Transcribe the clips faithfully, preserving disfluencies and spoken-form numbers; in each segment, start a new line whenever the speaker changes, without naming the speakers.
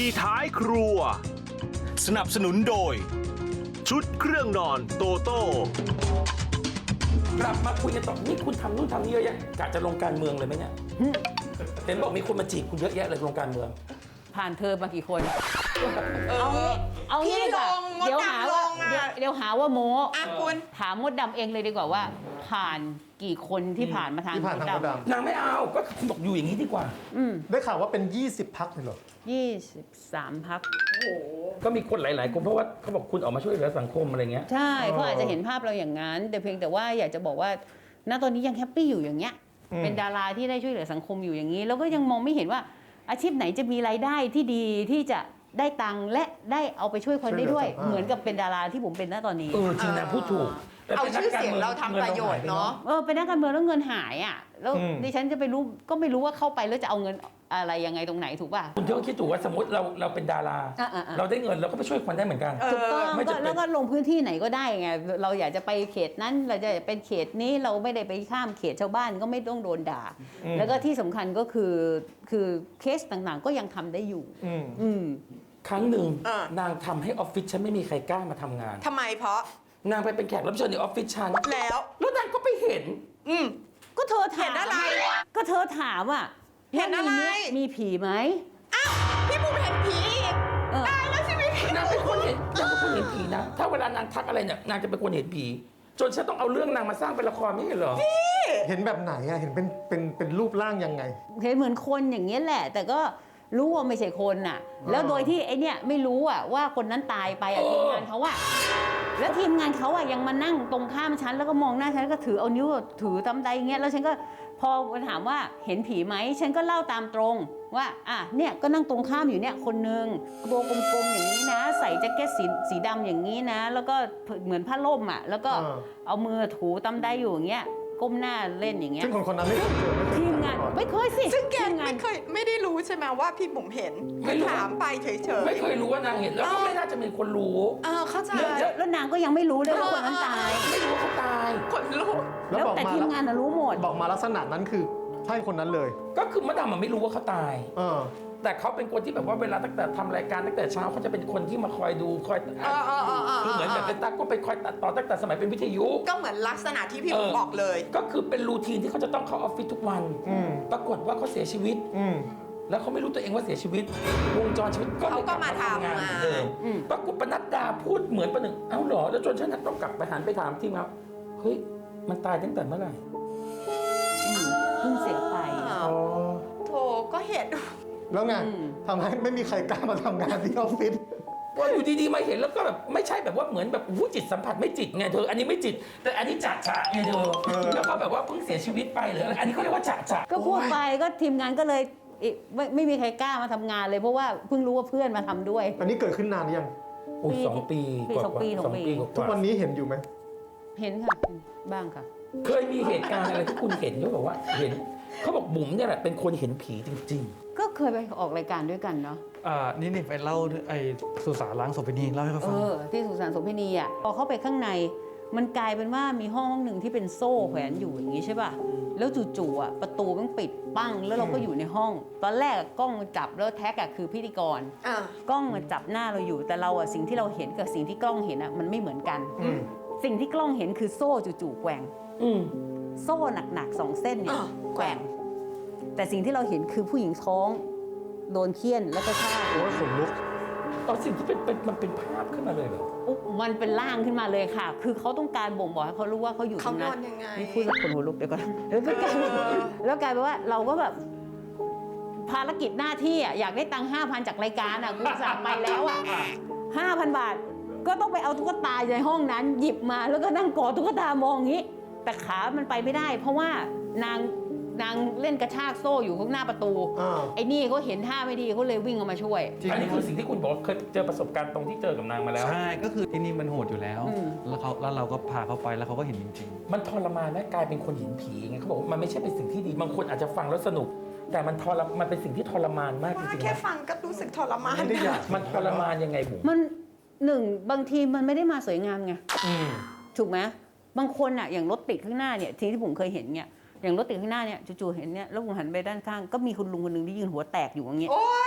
ท้ายครัวสนับสนุนโดยชุดเครื่องนอนโตโต้
กลับมาคุยกันต่อนี่คุณทำนู่นทำนี่เยอะแยะกะจะลงการเมืองเลยไหมเนี่ยเห็นบอกมีคนมาจีบคุณเยอะแยะเลยลงการเมือง
ผ่านเธอมากี่คน
เออ
เอางี้
พี่
ดีกว่า
ลงมด
เดี๋ยวหา
ดำล
ว่าง เดี๋ยว
อ่ะ
เดี๋ยวหาว่าโม้
อ่ะคุณ
ถามมดดำเองเลยดีกว่าว่า ผ่านกี่คนที่ผ่านมาทาง
ที่ผ่านทางมดด
นางไม่เอาก็คุณบอกอยู่อย่างนี้ดีกว่า
อืม
ำได้ข่าวว่าเป็น ยี่สิบ พักเลยเหรอ
ยี่สิบสามพัก
ก็มีคนหลาย ๆ คนเพราะว่าเขาบอกคุณออกมาช่วยเหลือสังคมอะไรเงี้ย
ใช่เขาอาจจะเห็นภาพเราอย่างนั้น แต่เพียงแต่ว่าอยากจะบอกว่าณตอนนี้ยังแฮปปี้อยู่อย่างเงี้ย
อืม
เป็นดาราที่ได้ช่วยเหลือสังคมอยู่อย่างนี้ แล้วก็ยังมองไม่เห็นว่าอาชีพไหนจะมีรายได้ที่ดีที่จะได้ตังค์และได้เอาไปช่วยคนได้ด้วย เหมือนกับเป็นดาราที่ผมเป็นณตอนนี้
เออจริงนะพูดถูกแต่
เอา
ป็นนั
ชื่
ก
อเสียง
กมื
เราทำประโยชน์เนาะ
เออเป็นนักการเมืองแล้วเงินหายอ่ะแล้ว
อืม
ดิฉันจะไปรู้ก็ไม่รู้ว่าเข้าไปแล้วจะเอาเงินอะไรยังไงตรงไหนถูกป่ะ
คุณก็คิดถูกว่าสมมติเราเราเป็นดารา
อ่ะอ่ะอ่ะ
เราได้เงินเราก็ไปช่วยคนได้เหมือนกัน
เออ
ถูกต้อง
ไม่
ก็
จำเป็น
แล้วก็ลงพื้นที่ไหนก็ได้ไงเราอยากจะไปเขตนั้นเราจะเป็นเขตนี้เราไม่ได้ไปข้ามเขตชาวบ้านก็ไม่ต้องโดนด่า แล้วก็ที่สำคัญก็คือคือเคสต่างๆ ก็ยังทำได้อยู่
อืม
อืม
ครั้งหนึ่ง
เออ
นางทำให้ออฟฟิศฉันไม่มีใครกล้ามาทำงาน
ทำไมเพราะ
นางไปเป็นแขกรับเชิญในออฟฟิศฉัน
แล้ว
แล้วนางก็ไปเห็น
อืม
ก็เธอถาม
เห็นอะไร
ก็เธอถามอ่ะ
เห็นอะไร
ว่ามีมีผีไหม
อ้าวพี่บุ๋มเห็นผีอีก
เออ
ตายแล้วชีวิตพี่
นางเป็นคนเห็นนางเป็นคนเห็นผีนะ ถ้าเวลานางทักอะไรเนี่ยนางจะเป็นคนเห็นผี จนฉันต้องเอาเรื่องนางมาสร้างเป็นละครไม่ใช่เหรอ
เห็นแบบไหนอะเห็นเป็นเป็นเป็นรูปร่างยังไง
เห็นเหมือนคนอย่างเงี้ยแหละ แต่ก็รู้ว่าไม่ใช่คนน่ะ แล้วโดยที่ไอเนี้ยไม่รู้อ่ะว่าคนนั้นตายไปอ่ะ
เออ
ทีมงานเขาอ่ะแล้วทีมงานเขาอ่ะยังมานั่งตรงข้ามฉันแล้วก็มองหน้าฉันแล้วก็ถือเอานิ้วถือตำใดอย่างเงี้ยแล้วฉันก็พอถามว่าเห็นผีไหมฉันก็เล่าตามตรงว่าอ่ะเนี่ยก็นั่งตรงข้ามอยู่เนี่ยคนนึงตัวกลมๆอย่างนี้นะ ใส่แจ็คเก็ตสีสีดำอย่างนี้นะ แล้วก็เหมือนผ้าล่มอ่ะแล้วก็
เออ
เอามือถูตำใดอยู่อย่างเงี้ยก้มหน้าเล่นอย่างเงี้ย
ซึ่งคนคนนั้นไม่เคยเจอ
ทีมงาน
ไม่เคยเจอมาก่อน
ไม่เคยสิ
ซึ่งแก
ทีมงาน
ไม่เคยไม่ได้รู้ใช่ไหมว่าพี่บุ๋มเห็น
ไม่รู้
ถามไปเฉยๆ
ไม่เคยรู้ว่านางเห็นแล้วก็ไม่น่าจะมีคนรู้
เออเข้าใจ
แล้วแล้วนางก็ยังไม่รู้เลยว่าคนนั้นตาย
ไม่รู้ว่าเขาตาย
ขนลุก
แล้ว
แล้ว
บอก
แต่
มา
ทีมงานน่ะรู้หมด
บอกมาลักษณะนั้นคือใช่คนนั้นเลย
ก็คือมะดำมันไม่รู้ว่าเขาตาย
เออ
แต่เขาเป็นคนที่แบบว่าเวลาตั้งแต่ทำรายการตั้งแต่เช้าเขาจะเป็นคนที่มาคอยดูคอย
เออเออเออเออ
คือเหมือนแบบเป็นตั๊กก็ไปคอยตัดต่อตั้งแต่สมัยเป็นวิทยุ
ก็เหมือนลักษณะที่พี่บุ๋ม
เออ
บอกเลย
ก็คือเป็นรูทีนที่เขาจะต้องเข้าออฟฟิศทุกวัน
อืม
ปรากฏว่าเขาเสียชีวิต
อืม
แล้วเขาไม่รู้ตัวเองว่าเสียชีวิต วงจรชีวิตก็เลย
เขาก็
ลับ
มาทำ
งาน
งาน
เหมือนเดิม
อืม
ปรากฏปนัดดาพูดเหมือนประหนึ่งเอ้าเหรอแล้วจนฉันต้องกลับไปหันไปถามทีมครับเฮ้ยมันตายตั้งแต่เมื่อไหร่
อืมเพิ่งเสียไป
อ้าว
อ๋อ
โถก็เห็น
แล้วไง
อืม
ทำให้ไม่มีใครกล้ามาทำงานที่ออฟฟิศ
ว่าอยู่ดีๆมาเห็นแล้วก็แบบไม่ใช่แบบว่าเหมือนแบบอู้จิตสัมผัสไม่จิตไงเธออันนี้ไม่จิต แต่อันนี้จะจะไงเธอแล้วก็แบบว่าเพิ่งเสียชีวิตไปหรืออะไรอันนี้เขาเรียกว่าจะจะ
ก็พูดไปก็ทีมงานก็เลยเอ๊ะไม่ไม่มีใครกล้ามาทำงานเลยเพราะว่าเพิ่งรู้ว่าเพื่อนมาทำด้วย
อันนี้เกิดขึ้นนานหรือยัง
โอ้ยสองปี
ปี
กว่า
สองปี
สองปีกว่า
ทุกวันนี้เห็นอยู่ไหม
เห็นค่ะบ้างค่ะ
เคยมีเหตุการณ์อะไรที่คุณเห็นเขาบอกว่าเห็นเขาบอกบุ๋มเนี่ยแหละเป็นคนเห็นผีจริง
ก็เคยไปออกรายการด้วยกันเนาะ
อ่านี่นี่ไปเล่าไอ้สุสานล้างศพไปนี่เล่าให้เขา
เอ
ฟัง
อที่สุสานโสมพินีอ่ะพอเข้าไปข้างในมันกลายเป็นว่ามีห้องห้องหนึ่งที่เป็นโซ่แขวนอยู่อย่างนี้ใช่ป่ะแล้วจู่ๆอ่ะประตูมันปิดปั้งแล้วเราก็อยู่ในห้อง ตอนแรกกล้องมันจับแล้วแท็กอ่ะคือพิธีกร
อ่ะ
กล้องมันจับหน้าเราอยู่แต่เราอะสิ่งที่เราเห็นกับสิ่งที่กล้องเห็นอะมันไม่เหมือนกัน
อืม
สิ่งที่กล้องเห็นคือโซ่จู่ๆแกว่ง
ๆ อืม
โซ่หนักๆสองเส้นเนี่ย
อ่ะ
แกว่ง แต่สิ่งที่เราเห็นคือผู้หญิงท้อง โดนเคี่ยนแล้วก็ฆ่า
โอ้ยขนลุก
ตอนสิ่งที่เป็นเป็นมันเป็นภาพขึ้นมาเลยเหรอ
อุ๊บมันเป็นร่างขึ้นมาเลยค่ะ คือเขาต้องการบ่งบอกให้เขารู้ว่าเขาอยู่ต
เขา
รง
น
นั้
อน นยังไง
นี่พูดแล้วขนหัวลุกเดี๋ยวก่อนแล้วก็กลายเป็นแล้วกลายเป็นว่าเราก็แบบภารกิจหน้าที่อะอยากได้ตังค์ห้าพันจากรายการอะกูสั่งไปแล้วอะห้าพันบาท ก็ต้องไปเอาตุ๊กตาในห้องนั้น หยิบมาแล้วก็นั่งกอดตุ๊กตามองอย่างนี้ แต่ขามันไปไม่ได้ เพราะว่านางนางเล่นกระชากโซ่อยู่ข้างหน้าประตู
อ่า
ไอ้นี่เขาเห็นท่าไม่ดีเขาเลยวิ่งออกมาช่วย
จริง
อันนี้คือสิ่งที่คุณบอกว่าเคยเจอประสบการณ์ตรงที่เจอกับนางมาแล้ว
ใช่ก็คือที่นี่มันโหดอยู่แล้ว
อืม
แล้วเขาแล้วเราก็พาเขาไปแล้วเขาก็เห็นจริง
มันทรมานนะกลายเป็นคนเห็นผีไงเขาบอกว่ามันไม่ใช่เป็นสิ่งที่ดีบางคนอาจจะฟังแล้วสนุก แต่มันทรมันเป็นสิ่งที่ทรมานมากจ
ว่า
ริงๆ
แค่
นะ
ฟังก็รู้สึกทรมาน
ไม่ได้อยาก
มันทรมานยังไงบุ๋ม
มันหนึ่งบางทีมันไม่ได้มาสวยงามไง
อืม
ถูกไหมบางคนอ่ะอย่างรถติดข้างหน้าเนี่ยทีที่ผมเคยเห็นเนี่ยอย่างรถติดข้างหน้าเนี่ยจู่ๆเห็นเนี่ยแล้วผมหันไปด้านข้างก็มีคุณลุงคนหนึ่งที่ยืนหัวแตกอยู่อย่างเงี้ย
โอ๊ย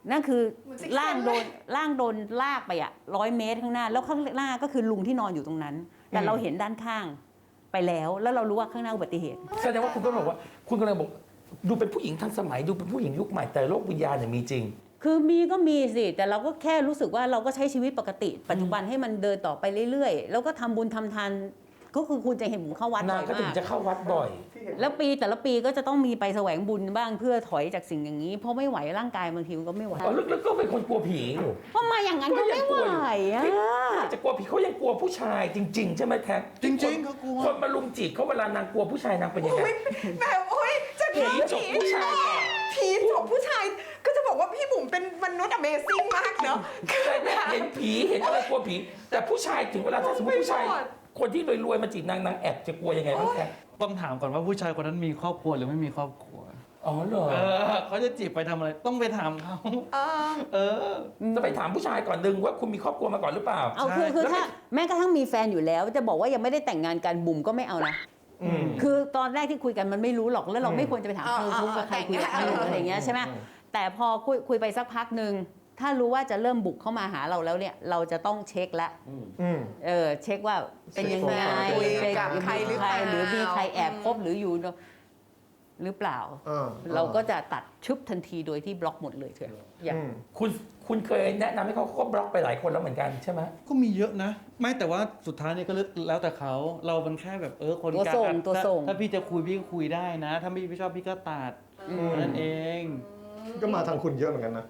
นั่นคือ
เหมือนซิก
ร่าง
เซน
โด
เลย
นร่างโดนลากไปอะร้อยเมตรข้างหน้า แล้วข้างหน้าก็คือลุงที่นอนอยู่ตรงนั้น แต่เราเห็นด้านข้างไปแล้ว แล้วเรารู้ว่าข้างหน้าอุบัติเหตุ
แสดงว่าคุณก็บอกว่าคุณกำลังบอกดูเป็นผู้หญิงทันสมัยดูเป็นผู้หญิงยุคใหม่แต่โลกวิญญาณเนี่ยมีจริง
คือมีก็มีสิ แต่เราก็แค่รู้สึกว่าเราก็ใช้ชีวิตปกติ ปัจจุบันให้มันเดินต่อไปเรื่อยๆ แล้วก็ทำบุญทำทานก็คือคุณจะเห็นผมเข้าวัด
นา
บ่
ง
อย
ก็ถึง
มาก
จะเข้าวัดบ่อย
แล้วปีแต่ละปีก็จะต้องมีไปแสวงบุญบ้างเพื่อถอยจากสิ่งอย่างนี้ เพราะไม่ไหวร่างกายบางทีมันก็ไม่ไหว
อ๋อลึกๆก็เป็นคนกลัวผีอยู่
เพราะมาอย่างนั้นก็ไม่ไหวอะ
จะกลัวผีเขายังกลัวผู้ชายจริง ๆ ใช่ไหมแท็ก
จริงๆเขากลัว
คนมาลุมจีบเขาเวลานางกลัวผู้ชายนางเป็นยังไง
อุ๊ยแบบโอ้ยจะ
ผี
ผี
จบผู้ชายก่อน
ผีจบผู้ชาย ก็จะบอกว่าพี่บุ๋มเป็นมนุษย์ Amazing มากเนาะ
แต่เนี่ยเห็นผีเห็นอะไรกลัวผี แต่ผู้ชายถึงเวลาถ้าสมมติผู้ชาย
ไม่รอด
คนที่รวยๆมาจีบนางนางแอบจะกลัวยังไงบ้างแท็ก
ต้องถามก่อนว่าผู้ชายคนนั้นมีครอบครัวหรือไม่มีครอบครัว
อ๋อเหรอ
เออเขาจะจีบไปทำอะไร ต้องไปถามเขา
เออ
เออ
จะไปถามผู้ชายก่อนดึงว่าคุณมีครอบครัวมาก่อนหรือเปล่า
เอาคือคือถ้าแม้กระทั่งมีแฟนอยู่แล้ว จะบอกว่ายังไม่ได้แต่งงานกันบุ๋มก็ไม่เอานะ คือตอนแรกที่คุยกันมันไม่รู้หรอกแล้วเราไม่ควรจะไปถาม
อ่า
เธอคุยกับใคร
อ่า
คุยกับใคร
อ่า
อะไรอย่างเงี้ยใช่ไหมแต่พอคุยคุยไปสักพักหนึ่งถ้ารู้ว่าจะเริ่มบุกเข้ามาหาเราแล้วเนี่ยเราจะต้องเช็คละ
อืม
เออเช็คว่าเป็นยังไง
คุย
เช็ค
กับใครหรือเปล่า
หรือมีใครแอบคบหรืออยู่หรือเปล่า
เออ
เราก็จะตัดชึบทันทีโดยที่บล็อกหมดเลยเถอะอย่าง
อืม
คุณคุณเคยแนะนำให้เขาเขาก็บล็อกไปหลายคนแล้วเหมือนกันใช่ไหม
ก็มีเยอะนะ ไม่แต่ว่าสุดท้ายเนี่ยก็แล้วแต่เขา เรามันแค่แบบเออคน
ตัว
กลาง
ส่ง
อ่ะ
ตัวส่ง
ถ้าถ้าพี่จะคุยพี่ก็คุยได้นะ ถ้าพี่ไม่ชอบพี่ก็ตัดนั่นเอง
ก็มาทางคุณเยอะเหมือนกันนะ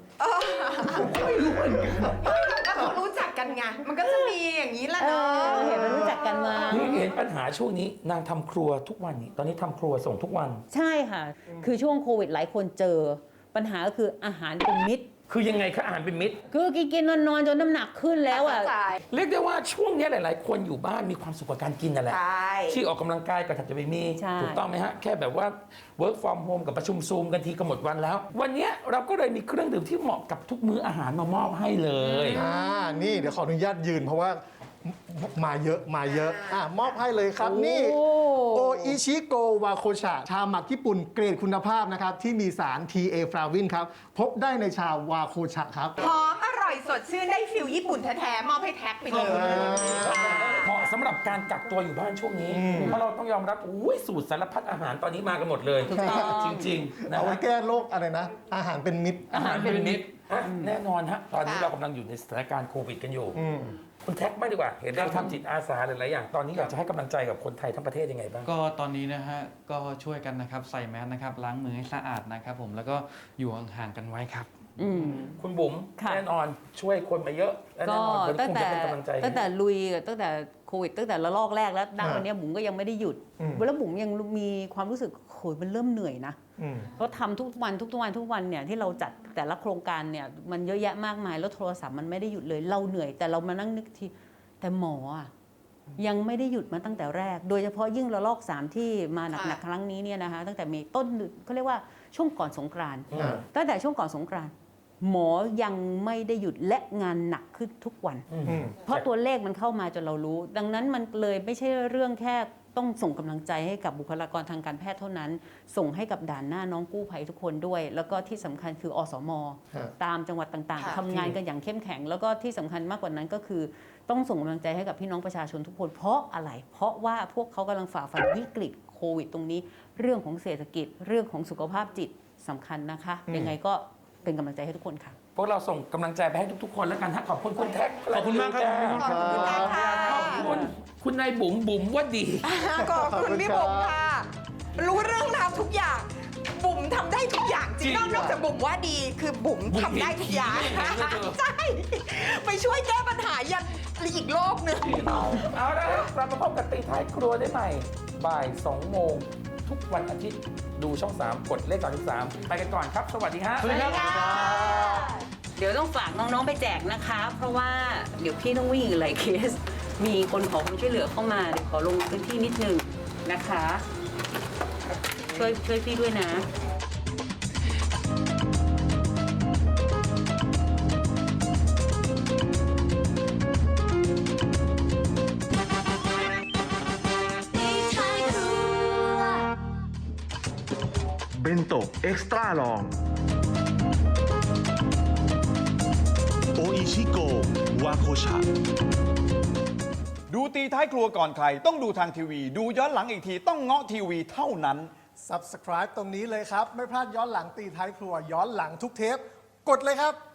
ก็เขารู้จักกันไง มันก็จะมีอย่างนี้แหละ
เอ
เนาะ
อเห็นมันรู้จักกันมา
นี่เห็นปัญหาช่วงนี้นางทำครัวทุกวันนี้ตอนนี้ทำครัวส่งทุกวัน
ใช่ค่ะ คือช่วงโควิดหลายคนเจอ ปัญหาก็คืออาหารเป็นมิตร
คือยังไงคะอาหารเป็นมิตร
คือกินกินนอนนอนจนน้ำหนักขึ้นแล้วอ่ะ
ใช่
เรียกได้ว่าช่วงนี้หลาย ๆ คนอยู่บ้านมีความสุขกับการกินนั่นแหละ
ใช่
ที่ออกกำลังกายก็แทบจะไม่มี
ใช่
ถูกต้องไหมฮะ แค่แบบว่า work from home กับประชุมซูมกันทีก็หมดวันแล้ว วันนี้เราก็เลยมีเครื่องดื่มที่เหมาะกับทุกมื้ออาหารมามอบให้เลย
อ่า นี่เดี๋ยวขออนุญาตยืนเพราะว่ามาเยอะมาเยอะ อ่ะ มอบให้เลยครับ นี่
โอ้
โออิชิโกวาโคชะ ชาหมักญี่ปุ่นเกรดคุณภาพนะครับ ที่มีสาร ที เอ ฟลาวินครับ พบได้ในชาวาโคชะครับ
หอมอร่อยสดชื่นได้ฟิลญี่ปุ่นแท้ๆ มอบให้แท็กไปเลย
เหมาะสำหรับการกักตัวอยู่บ้านช่วงนี้ เพราะเราต้องยอมรับอุ้ยสูตรสารพัดอาหารตอนนี้มากันหมดเลย
ถูกต้อง
จริงๆนะ
เอาไว้
ฮะ
แก้โรคอะไรนะ อาหารเป็นมิตร
อาหารเป็นมิตรอ่ะแน่นอนฮะตอนนี้
ค่ะ
เรากำลังอยู่ในสถานการณ์โควิดกันอยู่
อืม
คุณแท็กไม่ดีกว่า เห็นเราทำจิตอาสาหลายๆอย่าง ตอนนี้อยากจะให้กำลังใจกับคนไทยทั้งประเทศยังไงบ้าง
ก็ตอนนี้นะฮะ ก็ช่วยกันนะครับ ใส่แมสนะครับ ล้างมือให้สะอาดนะครับผม แล้วก็อยู่ห่างๆกันไว้ครับ
อืม
คุณบุ๋ม
ค่ะ
แน่นอนช่วยคนมาเยอะและ
ก็
แน่นอนคน
ตั้ง
คง
แต่
จะเป็นกำลังใจ
ตั้งแต่ลุยตั้งแต่โควิดตั้งแต่ระลอกแรกแล้วณ
อ่า
วันเนี้ยบุ๋มก็ยังไม่ได้หยุด
อืม
แล้วบุ๋มยังมีความรู้สึกโหยมันเริ่มเหนื่อยนะ
อืม
เพราะทำทุกวันทุกวันทุกวันเนี่ยที่เราจัดแต่ละโครงการเนี่ยมันเยอะแยะมากมายแล้วโทรศัพท์มันไม่ได้หยุดเลยเราเหนื่อย แต่เรามานั่งนึกทีแต่หมออะยังไม่ได้หยุดมาตั้งแต่แรก โดยเฉพาะยิ่งระลอกสามที่มาหนักๆครั้งนี้เนี่ยนะคะตั้งแต่เมต้นเขาเรียกว่าช่วงก่อนสงกรานต์
อ่า
ตั้งแต่ช่วงก่อนสงกรานต์หมอยังไม่ได้หยุดและงานหนักขึ้นทุกวัน
อืม
อืม
เพราะตัวเลขมันเข้ามาจนเรารู้ ดังนั้นมันเลยไม่ใช่เรื่องแค่ต้องส่งกำลังใจให้กับบุคลากรทางการแพทย์เท่านั้น ส่งให้กับด่านหน้าน้องกู้ภัยทุกคนด้วย แล้วก็ที่สำคัญคืออสม
ฮะ
ตามจังหวัดต่าง
ค่ะ
ๆทำงานกันอย่างเข้มแข็ง แล้วก็ที่สำคัญมากกว่านั้นก็คือ ต้องส่งกำลังใจให้กับพี่น้องประชาชนทุกคน เพราะอะไร เพราะว่าพวกเขากำลังฝ่าฟันวิกฤตโควิดตรงนี้ เรื่องของเศรษฐกิจ เรื่องของสุขภาพจิตสำคัญนะคะ ยังไงก็เป็นกำลังใจให้ทุกคนค่ะ
พวกเราส่งกำลังใจไปให้ทุกๆ คนแล้วกันฮะขอบคุณคุณแท็ก
ขอบคุณมากครับ
ขอบคุณแท็กค่ะ
ขอบคุณคุณนายบุ๋มบุ๋มว่าดี
ขอบคุณพี่บุ๋มค่ะ รู้เรื่องราวทุกอย่าง บุ๋มทำได้ทุกอย่างจริง
จริง
นอกนอกจากบุ๋มว่าดีคือบุ๋ม
บุ๋ม
ทำได้ทุกอย่าง
เห็นผีเลยเธอ
ใช่ไปช่วยแก้ปัญหายันอีกโลกหนึ่ง
เอาละครับกลับมาพบกับตีท้ายครัวได้ใหม่ บ่ายสองโมงทุกวันอาทิตย์ดูช่อง สาม กดเลขสามสิบสามไปกันก่อนครับ สวัสดีฮะ
สวัสดีครับ
เดี๋ยวต้องฝากน้องๆไปแจกนะคะ เพราะว่าเดี๋ยวพี่ต้องวิ่งอีกหลายเคส มีคนขอความช่วยเหลือเข้ามา เดี๋ยวขอลงพื้นที่นิดนึงนะคะ ช่วยช่วยพี่ด้วยนะ
เบนโตะเอ็กซ์ตร้าลองโคชา
ดูตีท้ายครัวก่อนใคร ต้องดูทางทีวี ดูย้อนหลังอีกทีต้องเงาะทีวีเท่านั้น
Subscribe ตรงนี้เลยครับ ไม่พลาดย้อนหลังตีท้ายครัวย้อนหลังทุกเทป กดเลยครับ